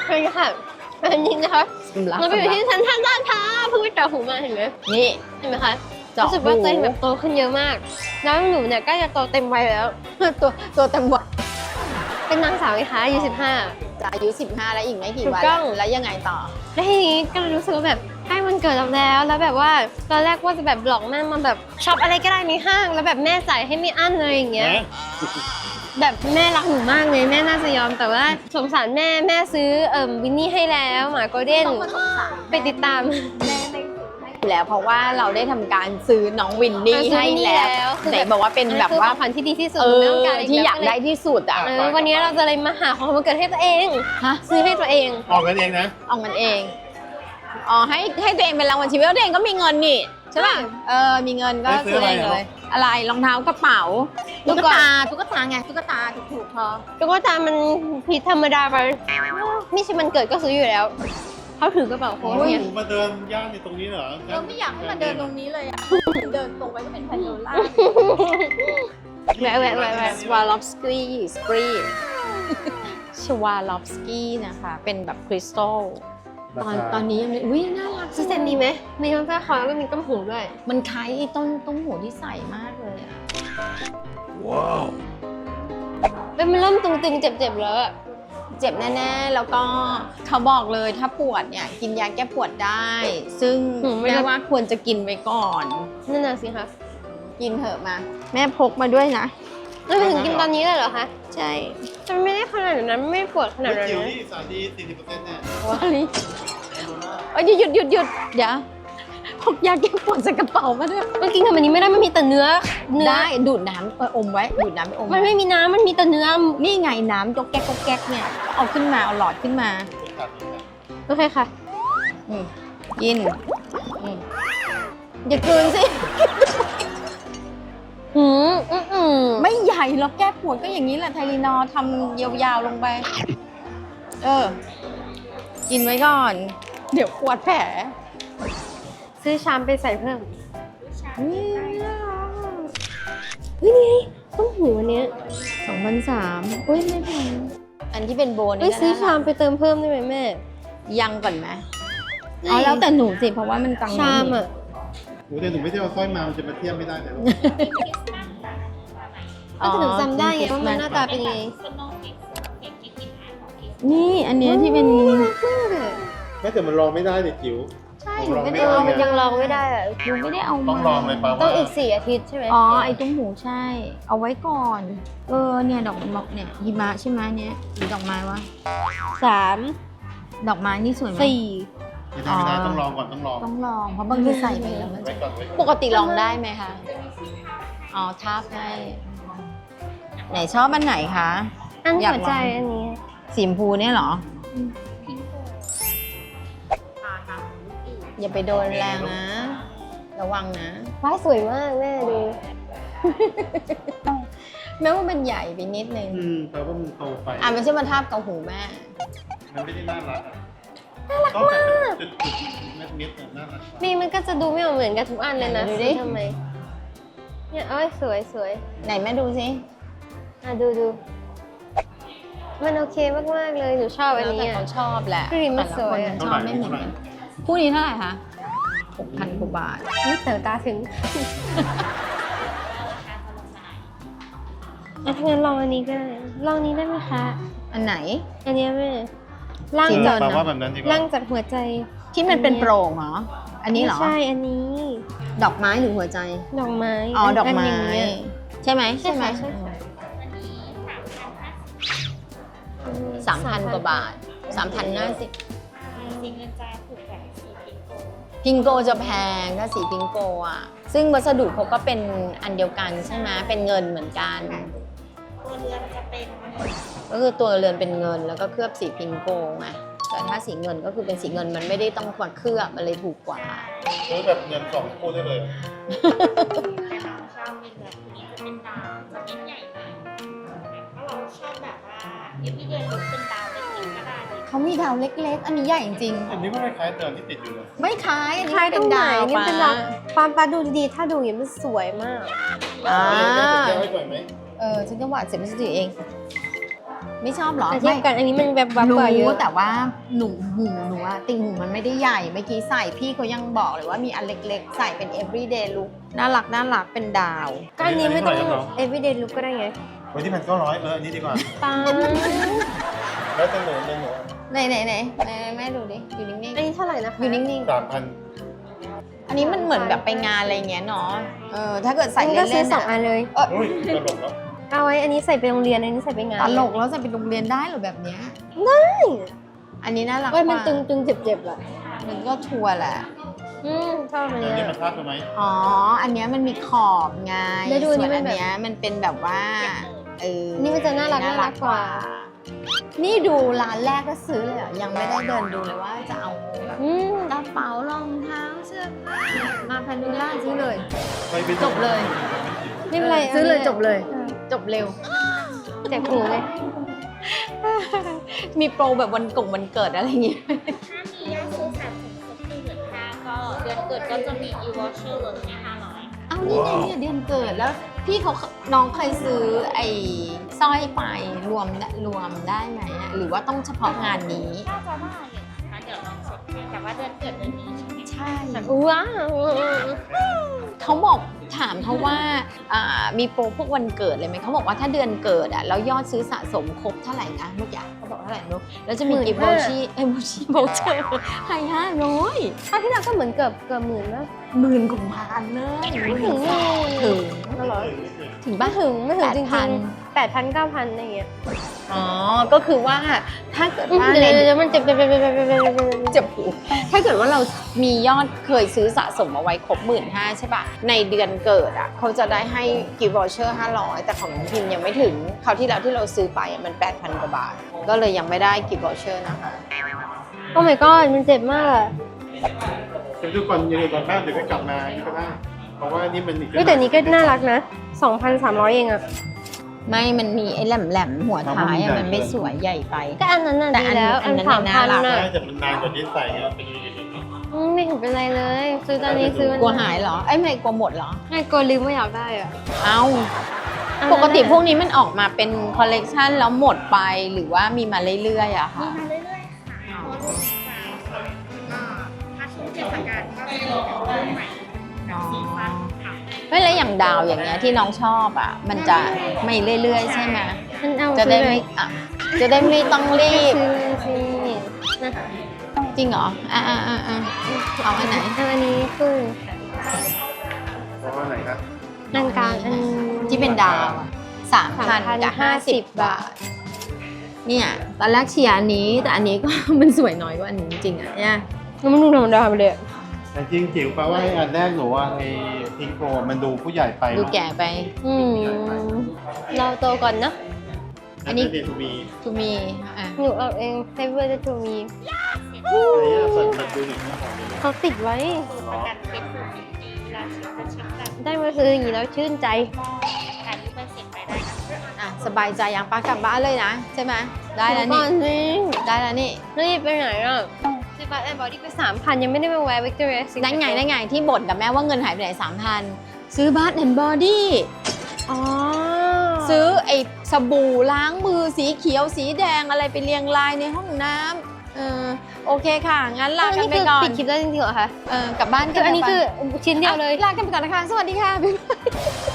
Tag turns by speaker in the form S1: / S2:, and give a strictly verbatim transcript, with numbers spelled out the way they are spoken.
S1: ใช่ค่ะอันนี้นะคะเราไปอยู่ที่ชั้นท่านด้านค่ะเพิ่งไปเจาะหูมาเห็นไหม
S2: นี่
S1: เห็นไหมคะ
S2: เจาะ
S1: รู้สึกว่า
S2: หู
S1: ตัวเองแบบโตขึ้นเยอะมาก แล้วหนูเนี่ยใกล้จะโตเต็มวัยแล้ว
S2: ตัวตัวเต็มวัย
S1: เป็นนางสาวไงคะอายุสิบห้า
S2: จะอายุสิบห้าแล้วอีกไม่กี่
S1: ถูก
S2: วัน
S1: ต้อง
S2: แล้วยังไงต่อ
S1: แล้วทีนี้ก็เลยรู้สึกว่าแบบใกล้วันเกิดเราแล้ว แล้วแบบว่าตอนแรกว่าจะแบบหลอกแม่มาแบบช็อปอะไรก็ได้ในห้าง แล้วแบบแม่จ่ายให้ไม่อั้นเลยอย่างเงี้ย แบบแม่รักหนูมากเลยแม่น่าจะยอมแต่ว่าสงสารแม่แม่ซื้อเอ่มวินนี่ให้แล้วหมาโกลเด้นไปติดตาม
S2: แม่ไม่ซื้อให้แล้วเพราะว่าเราได้ทำการซื้อน้องวินนี่
S1: ซื้อ
S2: ให้
S1: วินนี่
S2: แล้ว
S1: คือ
S2: ไหน
S1: แบบ
S2: บอกว่าเป็นแบบว่า
S1: อันนั้นคือของขวัญที่ดีที่สุด
S2: เอ
S1: หนูไม่
S2: อ
S1: ต้องการอีก
S2: ที่
S1: แล้ว
S2: อยากได้ที่สุดอ่ะ
S1: เออวันนี้เราจะเลยมาหาของวันเกิดให้ตัวเอง
S2: ฮะ
S1: ซื้อให้ตัวเอง
S3: ออกกันเองนะ
S2: เอามันเองอ๋อให้ให้ตัวเองเป็นรางวัลชีวิตแล้วตัวเองก็มีเงินนี่ใช่ป่ะเออมีเงินก็
S3: ไปซื้
S2: ซื้
S3: อ
S2: อ
S3: อะไร
S2: เอง
S3: เหรอ
S2: เลยอะไรรองเท้ากระเป๋า
S1: ตุ๊
S2: ตุ๊
S1: ก
S2: ก
S1: ตา
S2: ตาตุ๊กตาไงตุ๊กตาถูกๆพอ
S1: ตุ๊กตามันผิดธรรมดาไปไม่ใช่มันเกิดก็ซื้ออยู่แล้วเขาถือกระเป๋าโค้ด
S3: โอ้ย
S1: เนี่ย
S3: หนูมาเดินย่านในตรงนี้เหรอ
S2: เราไม่อยากให้มาเดินตรงนี้เลยอ่ะเดินตรงไปก็เป็นพาโนล่า
S1: แวะแวะแวะแวะ
S2: สวาลอฟสกี้สปรีชวาลอฟสกี้นะคะ เป็นแบบคริสตัลตอนตอนนี้ยังไม่อุ้ยน่ารัก
S1: ซื้อเซตนี้ไหมมีทั้งสร้อยคอแล้วก็มีต้มหูด้วย
S2: มันคล้ายไอ้ต้นต้มหูที่ใส่มากเลยอ่ะ
S3: ว้าว
S1: เป็นมันเริ่มตึงๆเจ็บๆแล้วอะ
S2: เจ็บแน่ๆ แล้วก็เขาบอกเลยถ้าปวดเนี่ย กินยาแก้ปวดได้ ซึ่งแม่ว่าควรจะกินไว้ก่อน
S1: นั่นน่ะสิคะ
S2: กินเถอะมา แม่พกมาด้วยนะ
S1: แล้วไปถึงกินตอนนี้เลยเหรอคะ
S2: ใช่
S1: จะไม่ได้ขนาดนั้นไม่ปวดขนาด
S3: เฮ้ย
S1: นั้น
S3: จิ๋ว
S1: นะ
S3: นี่สารดีสี่สิบเปอร์เซ็นต์เนี่ย
S2: วาลีเอ้ยหยุดหยุดหยุดเดี๋ยวพกยาแก้ปวดใส่กระเป๋ามาด้วย
S1: มันกินกับอันนี้ไม่ได้มันมีแต่เนื้อเนื้อ
S2: ได้ดูดน้ำไปอมไว้ ดูดน้ำไปอม
S1: มัน
S2: ไว้
S1: ไม่มีน้ำมันมีแต่เนื้อ
S2: นี่ไงน้ำจกแก๊กจกแก๊กเนี่ย เอาขึ้นมา เอาหลอดขึ้นมา
S3: เป็นขาดนี้นะ
S1: โอเคค่ะ
S2: อืมกินอืมอย่ากลืนสิ
S1: หืมอืมอืม
S2: ไม่ใหญ่หรอกแก้ปวดก็อย่างนี้แหละไทลีนอร์ทำยาวๆลงไป เออ กินไว้ก่อน เดี๋ยวปวดแผล
S1: ซื้อชามไปใส่เพิ่ม
S2: นี่
S1: เฮ้ยนี่ไงต้มหูอันเนี้ย
S2: สองพันสามอุ้ยไม่แพงอันที่เป็นโบน
S1: เฮ้ย
S2: นี่
S1: ซื้อ
S2: ก็
S1: ชามไปเติมเพิ่มได้ไหมแม่
S2: ยังก่อนไหมอ๋อแล้วแต่หนูสิเพราะว่ามันตัง
S1: ชามอ่ะ
S3: หนูแต่หนูไม่ได้เอาสร้อยมามันจะมาเทียบไม่ได้แต่ลูก
S1: ก็จะถึงจำได้ไงว่ามันหน้าตาเป็นยังไง
S2: นี่อันเนี้ยที่เป็น
S3: ไม่แต่มันลองไม่ได้เด็กจิ๋ว
S2: ใช่
S3: ลอง
S2: ไม่
S3: ไม่
S2: ได้
S3: ได้
S2: เอา
S1: มันยังลองไม่ได้อะ
S2: หนูไม่ได้เอา
S3: ต้
S2: มา
S3: องลองเลยป่าว
S1: ต้อง
S3: ว่า
S1: อีกสี่อาทิตย์ใช่ไหม
S2: อ๋อไอ้ตุ้มหูใช่ เอาไว้ก่อน เออเนี่ยดอกดอกเนี่ยหิมะใช่ไหมเนี้ยหรือดอกไม้วะ
S1: สาม
S2: ดอกไม้นี่สวยไหม
S1: สี่
S3: ไม่ได้ไม่ได้ต้องลองก่อนต้องลอง
S2: ต้องลองเพราะบางทีใส่ไปแล้วมัน
S3: ไว้
S2: จะ
S3: ก่อนไว้ก่อน
S2: ปกติลองได้ไหมคะอ๋อทาบให้ไหนชอบอันไหนคะ
S1: อัน
S2: อยาก
S1: หัว
S2: ลอง
S1: ใจอันนี้
S2: สีชมพูเนี่ยเหรออย่าไปโดนแรงนะ ระวังนะ
S1: ว้ายสวยมากแม่ดู
S2: แม้ว่ามันใหญ่ไปนิดนึง
S3: อืมแต่ว่ามันโตไป
S2: อ่ะมันใช่มาทาบกับหูแม่
S3: มันไม่ได้น่ารักอ่ะน่ารักมากจุดๆเม็ดๆอะน่ารัก
S1: นี่มันก็จะดูไม่เหมือนกันทุกอันเลยนะ
S2: ดูดิ
S1: ทำไมเนี่ยเอ้ยสวยสวย
S2: ไหนแม่ดูสิ
S1: อ่ะดูดูมันโอเคมากๆเลยหนูชอบอันนี้
S2: แล้วแต่
S1: อ่ะ
S2: เขาชอบแหละ
S1: พี่ริมมัน
S2: แต่ละ
S1: สวยอะ
S2: คนชอบไม่เหมือนกันคู่นี้เท่าไหร่คะหกพันกว่าบาท
S1: นี่เต๋อตาถึงอ่ะถ้างั้นลองอันนี้ก็ได้ลองนี้ได้ไหมคะ
S2: อันไหน
S1: อันเนี้ยแม่ล่าง
S2: สี
S1: จัด
S2: เงิน
S3: แปลว่าแบบนั้นดีกว่า
S1: ล่างจัดหัวใจ
S2: ที่มันเป็นโปร่งเหรอ อันนี้เหรอ
S1: ไม่ใช่อันนี้
S2: ดอกไม้หรือหัวใจ
S1: ดอกไม้
S2: อ๋อ ดอกไม้
S1: นย่างเงี้ย
S2: ใช่ไหม
S1: ใช่
S2: ใช่ไหม
S1: ค่ะใช่ค่ะ
S2: สามพันกว่าบาทสามพันห้าสิบ
S4: สีเงินจะถูกกว่าสีพิงโก
S2: พิงโกจะแพงถ้าสีพิงโกอ่ะ ซึ่งวัสดุเขาก็เป็นอันเดียวกันใช่ไหมเป็นเงินเหมือนกัน
S4: ตัวเรือนจะเป็น
S2: ก็คือตัวเรือนเป็นเงินแล้วก็เคลือบสีพิงโกไงแต่ถ้าสีเงินก็คือเป็นสีเงินมันไม่ได้ต้องมาเคลือบมันเลยถูกกว่า
S3: ซื้อแบบเงินสองคู่ได้เลย
S4: แต่เราชอบเป็นแบบนี้จะเป็นดาวจะไม่ใหญ่มากถ้าเราชอบแบบว่าเอฟวีเดย์ลุกเป็นดาวเล็กๆก็ได้เลย
S2: เขามีดาวเล็กๆ อันนี้ใหญ่จริง
S3: อันนี้ก็คล้ายๆเดิมที่ติดอยู่เลย
S2: ๆไม่คล้ายอัน
S1: ค
S2: นี้
S1: ล้ายต
S2: เป็
S1: ร
S2: น
S1: งไหน
S2: ดาว
S1: นี่เป็นดาว
S2: ปะ
S1: ปามปาดูดีๆถ้าดูอย่างนี้มันสวยมาก
S2: อ่า
S3: เดี๋ยวให้ก่อนไหม
S2: เออฉันจะหวาดเสียวไม่ใช่ตัวเองไม่ชอบเหรอ
S1: แต่เทียบกันอันนี้มันแบบวับ
S2: รู้
S1: กว่าเยอะ
S2: แต่ว่าหนูหูหนูอะติ่งหูมันไม่ได้ใหญ่เมื่อกี้ใส่พี่เขายังบอกเลยว่ามีอันเล็กๆ ใส่เป็น everyday look น่ารักน่ารักเป็นดาว
S1: ก็อันนี้ไม่ต้อง everyday look ก็ได้ไง
S3: วันที่พันเก้าร้อยเอออันนี้ดีกว่า
S1: ตาม
S3: แล้วจะหนูเรื่องหนู
S2: ไหนไหนไหนไหนแม่ดูดิอยู่นิ่ง
S1: อันนี้เท่าไหร่นะคะ
S2: ๆอยู่นิ่ง
S3: สามพัน
S2: ๆอันนี้มันเหมือนแบบไปงานอะไรเงี้ยเนาะเออถ้าเกิดใส่
S1: อันนี้ก็ซื้
S2: เล่
S1: อน
S2: ๆ
S1: สองอั
S2: อะ
S1: นเลย
S3: อุ้ยตลกแล้ว
S1: เอาไว้อันนี้ใส่ไปโรงเรียนอันนี้ใส่ไปงาน
S2: ตลกแล้วจะไปโรงเรียนได้เหรอแบบเนี้ยอันนี้น่ารัก
S1: เว้ยมัน
S2: กว่า
S1: ตึงตึงเจ็บเจ็บๆอะ
S2: มันก็ชัวร์แหละ
S1: อืมชอบอัน
S3: อัน
S1: เนี้
S3: นี้
S1: ย
S3: มันพลาดไปไหม
S2: อ๋อ อันเนี้ยมันมีขอบไง
S1: แล้วดู
S2: ส่
S1: อั
S2: วน น
S1: นี้มันแบบ
S2: อันเนี้ยมันเป็นแบบว่าเออ
S1: นี่มันจะน่ารักน่ารักกว่า
S2: นี่ดูร้านแรกก็ซื้อเลยอ่ะยังไม่ได้เดินดูเลยว่าจะเอาแบบ
S1: อืม
S2: กระเป๋ารองเท้าเสื้อผ้ามาพันดูล่าซื้อเลย
S3: ไปไป
S2: จบเลย
S1: ไม่เป็นไร
S2: ซื้อเลย
S1: นนี้
S2: จบเลย จบเร็ว
S1: เจ็บหูเลย
S2: มีโปรแบบวันกงวันเกิดอะไรอย่างเงี้ย
S4: ถ้ามียอดซื้อสะสมครบหนึ่งหมื่นห้าก็เดือนเกิดก็จะมี e-voucher ลดให้ห้าร้อย
S2: เอานี่ไงเนี่ยเดือนเกิดแล้ว พี่เขาน้องเคยซื้อไอ้สร้อยไปรวมรวมได้ไหมอะหรือว่าต้องเฉพาะงานนี้
S4: น่าจะได้อยู่นะคะเดี๋ยวลองเช็คให้แต่ว่าเดือนเกิดเดือนนี้ใช่ไหม
S2: ใช่
S1: ว้าว
S2: เขาบอกถามเขาว่าอ่ามีโปรพวกวันเกิดเลยไหมเขาบอกว่าถ้าเดือนเกิดอ่ะแล้วยอดซื้อสะสมครบเท่าไหร่นะเมื่อกี้เขาบอกเท่าไหร่ไม่รู้แล้วจะมีกิฟต์โบชีเอ้โบชีโบเชอร์ให้ห้าร้อย
S1: คราวที่แล้วก็เหมือนเกือบเกือบหมื่นแล้ว
S2: หมื่นกว่าพันเลย
S1: ไม่ถึง
S2: ถึง
S1: อ๋อเหรอ
S2: ถึง
S1: ไม่
S2: บ้า
S1: ถึงไม่ถึงจริง
S2: แปดพัน
S1: ๆแปดพันเก้าพันอะไรอย่างเงี้ย
S2: อ๋อก็คือว่าถ้าเกิดว่า
S1: เดี๋
S2: ใน
S1: ยวเดี๋ยวมันเจ็บเจ็บเจ็บเจ็บเจ็บเจ็บเจ็บเจ็บ
S2: เจ็บหูถ้าเกิดว่าเรามียอดเคยซื้อสะสมเอาไว้ครบหมื่นห้าใช่ปะในเดือนเกิดอ่ะเขาจะได้ให้กิฟต์วอเชอร์ห้าร้อยแต่ของน้องพิมยังไม่ถึงคราวที่แล้วที่เราซื้อไปอะมันแปดพันกว่าบาท ก็เลยยังไม่ได้กิฟต์วอเชอร์นะคะ
S1: โอ้ my god มันเจ็บมากอะ
S3: เดี๋ยวดูก่อนยังไงก่อนบ้านเดี๋ยวก็กลับมานี่ก็ได้ เพราะว่านี่มันอีก
S1: เฮ้ยแต่นี้ก็น่ารักนะสองพันสามร้อยเองอะ
S2: ไม่มันมีไอ้แหลมๆหัวท้ายอะมันไม่สวยใหญ่ไป
S1: ก็อันนั้นน่ะ
S2: แต่
S1: ดี
S2: อัน
S1: แล้ว
S2: อั
S1: อั
S2: น
S1: น
S2: นั้น
S1: สาม
S2: น่า
S1: พัน
S2: รัก
S1: น่ะ
S3: ได้แต่มันนานกว่าที่ใส่ไงมันเป็นอย่างนี้
S1: อืมไม่เห็นเป็นไรเลย ซื้อตอนนี้ซื้อวัน
S2: กลัวหายเหรอไอ้ยไม่กลัวหมดเหรอ
S1: ไม่กลัวลืมว่าอยากได้อะ
S2: เอ้า
S1: อันนั้น
S2: ปกติ
S1: น่ะ
S2: พวกนี้มันออกมาเป็นคอลเลกชันแล้วหมดไปหรือว่ามีมาเรื่อยๆอะ
S4: มี
S2: ค่ะ
S4: มาเรื่อยๆค่ะเพราะว่าลูกค้าค่ะก็ถ้าช่วงเทศกาลก็จะมีแบบรุ่นใหม่แบบสีฟ้าค่ะ
S2: ไม่แล้วอย่างดาวอย่างเงี้ยที่น้องชอบอ่ะ มันจะไม่เรื่อยๆ ใช่ไหม
S1: มันเอา
S2: จะได้
S1: ซื้อเล
S2: ไม่
S1: ย
S2: อ่ะจะได้ไม่ต้องรีบ
S1: ซื้อเลยสินะ
S2: จริงเหรออ่ะอ่ะอ่ะอ่ะเอาอันไหน
S1: เอาอันนี้คือ
S3: เพราะว่าไหนครับ
S1: อันกลางอัน
S2: ที่เป็นดาวสามพันกับห้าสิบบาท เนี่ยตอนแรกเชียร์อันนี้ แต่อันนี้ก็ มันสวยน้อยกว่าอันนี้จริงๆอ่ะเนี่ย
S1: มันดูธรรมดาไปเลยอะ
S3: แต่จริงจิ๋วแปลว่าไอ้อันแรกหนูว่าไอ้พิงโกมันดูผู้ใหญ่ไป
S2: ดู
S3: เนาะ
S2: แก่ไป
S1: อืมเราโตก่อนนะ
S2: อันนี้
S3: เดทูมี
S2: ทูมีอ่ะ
S1: หนูเอาเองเซเวอร์จะถูมี
S3: อันนี้ส่วนมันดูหนึ่งนะของนี้
S1: เขาติดไว้
S4: ประกันเพชรหนึ่งปีเวลาเช็คจะเช็คแบบ
S1: ได้มาซื้ออย่างนี้แล้วชื่นใจ
S4: ถ่ายรูปเป็นเสร็จไปได้นะ
S2: อ่ะสบายใจยังปากลับบ้านเลยนะใช่ไหมได้แล้ว
S1: ก่
S2: นี่
S1: อนสิ
S2: ได้แล้วนี่
S1: รีบไปไหนอ่ะซื้อบัตรแอนด์บอดี้ไปสามพันยังไม่ได้ไปแวะวิกตอเรียซิ
S2: ได้ไงได้ไงที่บ่นกับแม่ว่าเงินหายไปไหนสามพันซื้อบัตแอนด์บอดี้
S1: อ๋อ
S2: ซื้อไอ้สบู่ล้างมือสีเขียวสีแดงอะไรไปเรียงรายในห้องน้ำเออโอเคค่ะ งั้นลากันไปก่อน
S1: ปิดคลิปได้จริงๆเหรอคะ
S2: เออกลับบ้าน
S1: คืออันนี้คือชิ้นเดียวเลย
S2: ลากันไปก่อนนะคะ สวัสดีค่ะบ๊ายบาย